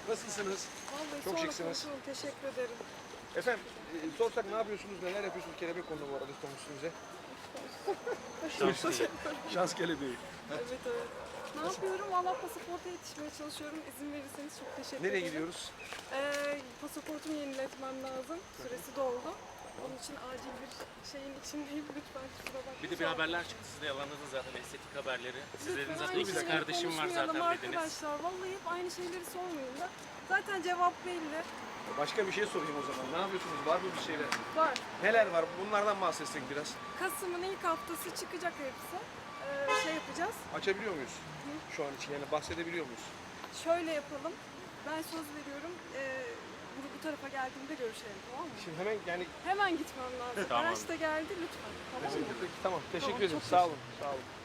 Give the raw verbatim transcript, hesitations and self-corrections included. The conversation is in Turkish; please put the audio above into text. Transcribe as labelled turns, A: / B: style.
A: Nasılsınız?
B: Vallahi
A: Çok
B: sonra
A: şıksınız.
B: konuşalım. Teşekkür ederim.
A: Efendim, e, sorsak ne yapıyorsunuz, neler yapıyorsunuz? Kelebek kondu bu arada üstümüze.
C: Şans değil.
A: Şans kelebeği.
B: Evet evet. Ne yapıyorum? Valla pasaporta yetişmeye çalışıyorum. İzin verirseniz çok teşekkür
A: Nereye
B: ederim.
A: gidiyoruz?
B: Ee, pasaportumu yeniletmem lazım. Süresi doldu. Onun için acil bir şeyin içindeyim. Lütfen kusura bakmayın.
C: Bir de bir haberler çıktı, siz de yalanladınız zaten estetik haberleri. Siz
B: Lütfen
C: dediniz zaten
B: aynı
C: ikiz
B: şeyleri
C: kardeşim var
B: konuşmayalım
C: zaten dediniz.
B: arkadaşlar. Vallahi hep aynı şeyleri sormayın da. Zaten cevap belli.
A: Başka bir şey sorayım o zaman. Ne yapıyorsunuz? Var mı bir şeyler?
B: Var.
A: Neler var? Bunlardan bahsetsek biraz.
B: Kasım'ın ilk haftası çıkacak hepsi. Ee, şey yapacağız.
A: Açabiliyor muyuz? Şu an için yani bahsedebiliyor muyuz?
B: Şöyle yapalım. Ben söz veriyorum. Ee, bu, bu tarafa geldiğimde görüşelim, tamam mı?
A: Şimdi hemen yani
B: Hemen gitmem lazım.
C: Tamam.
B: Araç da geldi lütfen. Tamam mı?
A: Peki, tamam. Teşekkür
B: Tamam,
A: ederim.
B: çok
A: Sağ olun. Sağ olun.